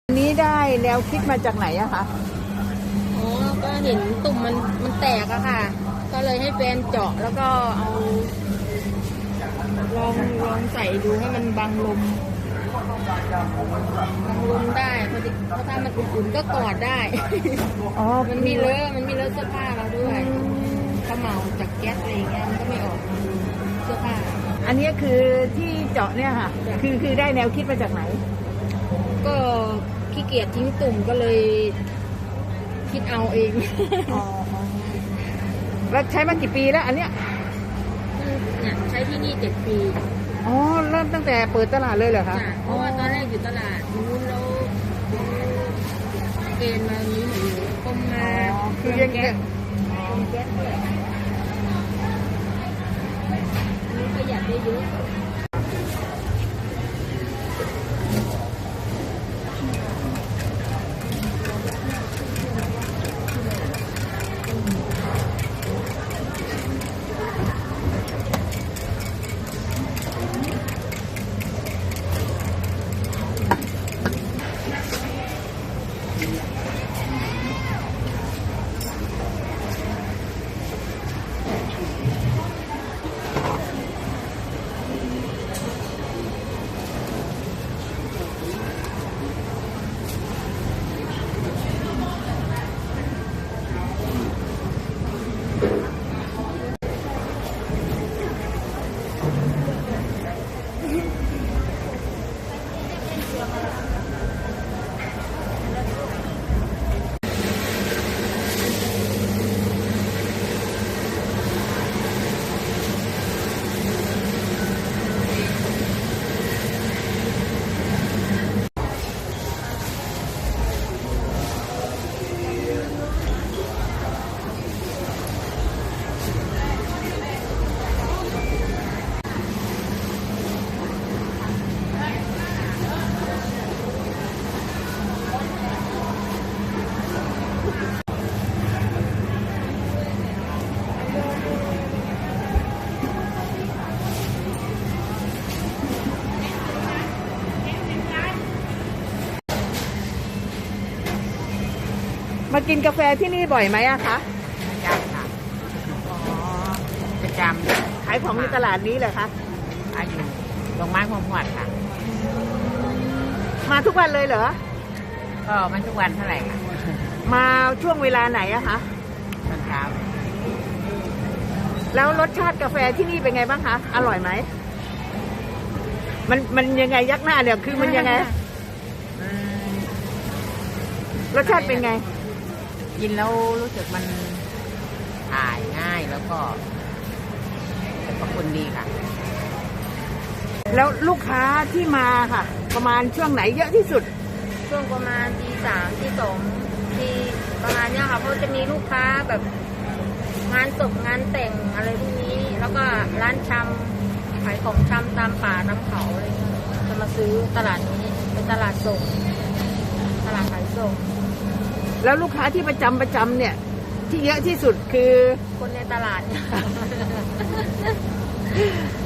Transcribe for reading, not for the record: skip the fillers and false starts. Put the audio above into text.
อันนี้ได้แนวคิดมาจากไหนอะคะอ๋อก็เห็นตุ่มมันแตกอะค่ะก็เลยให้แฟนเจาะแล้วก็เอาลองใส่ดูให้มันบังลมได้เพราะถ้ามันอุ่นๆก็กอดได้อ๋อมันมีเลอะเสื้อผ้าเราด้วยเขม่าจากแก๊สอะไรเงี้ยมันก็ไม่ออกเสื้อผ้าอันนี้คือที่เจาะเนี่ยค่ะคือได้แนวคิดมาจากไหนก็ขี้เกียจทิ้งตุ่มก็เลยคิดเอาเองแล้วใช้มากี่ปีแล้วอันเนี้ยเนี่ยใช้ที่นี่7 ปีอ๋อเริ่มตั้งแต่เปิดตลาดเลยเหรอคะเพราะว่าตอนแรกอยู่ตลาดนู้นแล้วเกณฑ์มานี้หนูต้มมาคือยังแก๊สด้วยอันนี้ประหยัดได้เยอะมากินกาแฟที่นี่บ่อยไหมอะคะประจำค่ะประจขายของในตลาดนี้เหรอคะำอยู่โรงไม้พวงหวดค่ะมาทุกวันเลยเหรอก็ไม่ทุกวันเท่าไหร่ค่ะมาช่วงเวลาไหนอะคะตอนเช้าแล้วรสชาติกาแฟที่นี่เป็นไงบ้างคะอร่อยไหมมันยังไงยักหน้าเนี่ยคือมันยังไงรสชาติเป็นไงกินแล้วรู้สึกมันถ่ายง่ายแล้วก็สรรพคุณดีค่ะแล้วลูกค้าที่มาค่ะประมาณช่วงไหนเยอะที่สุดช่วงประมาณตี 3 ตี 2ที่ประมาณเนี้ยค่ะเพราะจะมีลูกค้าแบบงานศพงานแต่งอะไรพวกนี้แล้วก็ร้านชำขายของชำตามป่าน้ำเขาอะไรจะมาซื้อตลาดนี้เป็นตลาดส่งตลาดขายส่งแล้วลูกค้าที่ประจำเนี่ยที่เยอะที่สุดคือคนในตลาด